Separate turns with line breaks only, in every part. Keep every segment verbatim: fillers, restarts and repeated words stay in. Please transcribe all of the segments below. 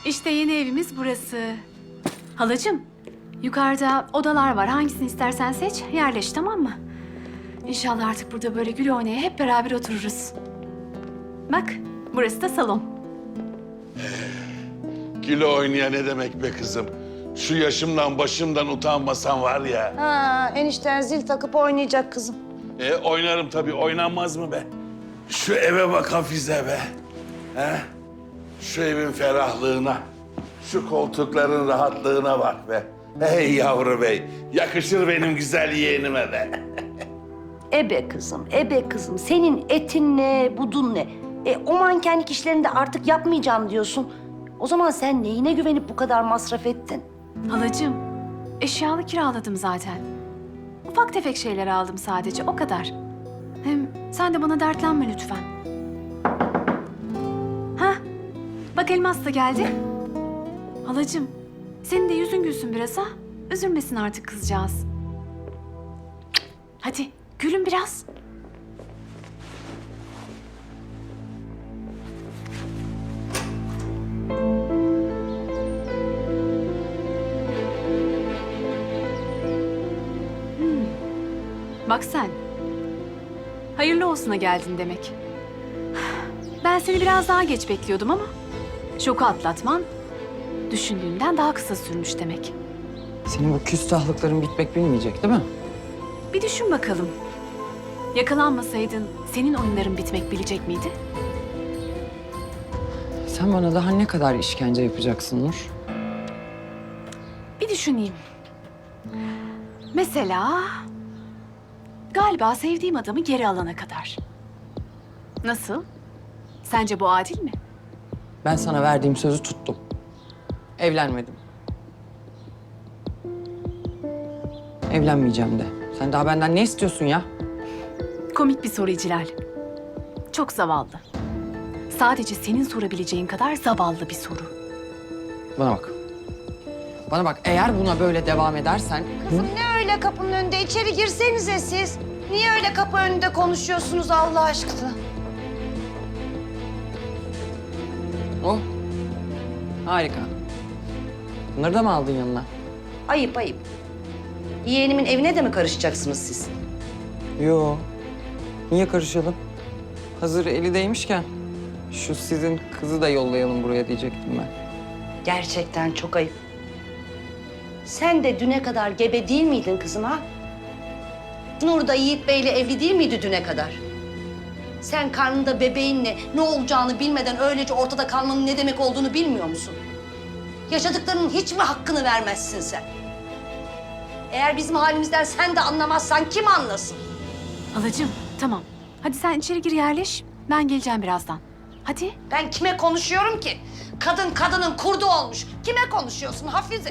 İşte yeni evimiz burası. Halacığım, yukarıda odalar var. Hangisini istersen seç, yerleş, tamam mı? İnşallah artık burada böyle gül oynaya hep beraber otururuz. Bak, burası da salon.
Gül oynaya ne demek be kızım? Şu yaşımdan başımdan utanmasan var ya.
Ha, enişten zil takıp oynayacak kızım.
E, oynarım tabii, oynanmaz mı be? Şu eve bak Hafize be. He? Şu evin ferahlığına, şu koltukların rahatlığına bak be. Hey yavru bey, yakışır benim güzel yeğenime be.
Ebe kızım, ebe kızım. Senin etin ne, budun ne? E, o mankenlik işlerini de artık yapmayacağım diyorsun. O zaman sen neyine güvenip bu kadar masraf ettin?
Halacığım, eşyalı kiraladım zaten. Ufak tefek şeyler aldım sadece, o kadar. Hem sen de bana dertlenme lütfen. Hah, bak Elmas da geldi. Halacığım, senin de yüzün gülsün biraz ha. Üzülmesin artık kızcağız. Hadi, gülün biraz. Bak sen. Hayırlı olsuna geldin demek. Ben seni biraz daha geç bekliyordum ama şoku atlatman düşündüğünden daha kısa sürmüş demek.
Senin bu küstahlıkların bitmek bilmeyecek değil mi?
Bir düşün bakalım. Yakalanmasaydın senin oyunların bitmek bilecek miydi?
Sen bana daha ne kadar işkence yapacaksın Nur?
Bir düşüneyim. Mesela galiba sevdiğim adamı geri alana kadar. Nasıl? Sence bu adil mi?
Ben sana verdiğim sözü tuttum. Evlenmedim. Evlenmeyeceğim de. Sen daha benden ne istiyorsun ya?
Komik bir soru İclal. Çok zavallı. Sadece senin sorabileceğin kadar zavallı bir soru.
Bana bak. Bana bak, eğer buna böyle devam edersen...
Kızım ne öyle kapının önünde? İçeri girsenize siz. Niye öyle kapı önünde konuşuyorsunuz Allah aşkına?
Oh. Harika. Bunları da mı aldın yanına?
Ayıp ayıp. Yeğenimin evine de mi karışacaksınız siz?
Yo. Niye karışalım? Hazır eli değmişken şu sizin kızı da yollayalım buraya diyecektim ben.
Gerçekten çok ayıp. Sen de düne kadar gebe değil miydin kızım ha? Nur da Yiğit Bey'le evli değil miydi düne kadar? Sen karnında bebeğinle ne olacağını bilmeden öylece ortada kalmanın ne demek olduğunu bilmiyor musun? Yaşadıklarının hiç mi hakkını vermezsin sen? Eğer bizim halimizden sen de anlamazsan kim anlasın?
Halacığım, tamam. Hadi sen içeri gir yerleş. Ben geleceğim birazdan. Hadi.
Ben kime konuşuyorum ki? Kadın kadının kurdu olmuş. Kime konuşuyorsun Hafize?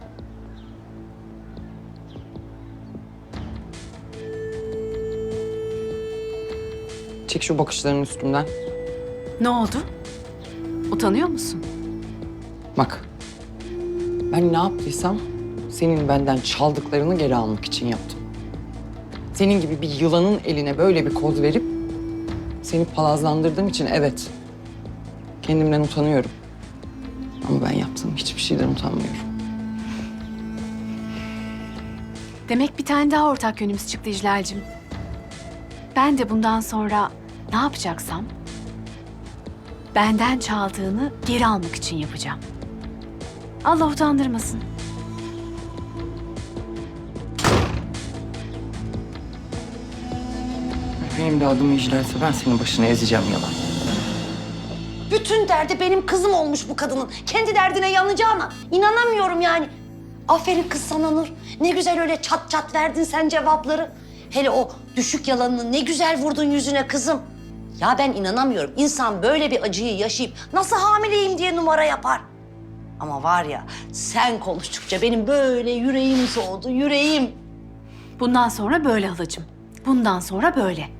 Çek şu bakışlarının üstümden.
Ne oldu? Utanıyor musun?
Bak, ben ne yaptıysam senin benden çaldıklarını geri almak için yaptım. Senin gibi bir yılanın eline böyle bir koz verip seni palazlandırdığım için evet, kendimden utanıyorum. Ama ben yaptığım hiçbir şeyden utanmıyorum.
Demek bir tane daha ortak yönümüz çıktı İclal'cim. Ben de bundan sonra ne yapacaksam benden çaldığını geri almak için yapacağım. Allah utandırmasın.
Benim de adım İclal'se ben senin başını ezeceğim yalan.
Bütün derdi benim kızım olmuş bu kadının. Kendi derdine yanacağına inanamıyorum yani. Aferin kız sana Nur. Ne güzel öyle çat çat verdin sen cevapları. Hele o düşük yalanını ne güzel vurdun yüzüne kızım. Ya ben inanamıyorum. İnsan böyle bir acıyı yaşayıp nasıl hamileyim diye numara yapar. Ama var ya sen konuştukça benim böyle yüreğim soğudu, yüreğim.
Bundan sonra böyle halacığım. Bundan sonra böyle.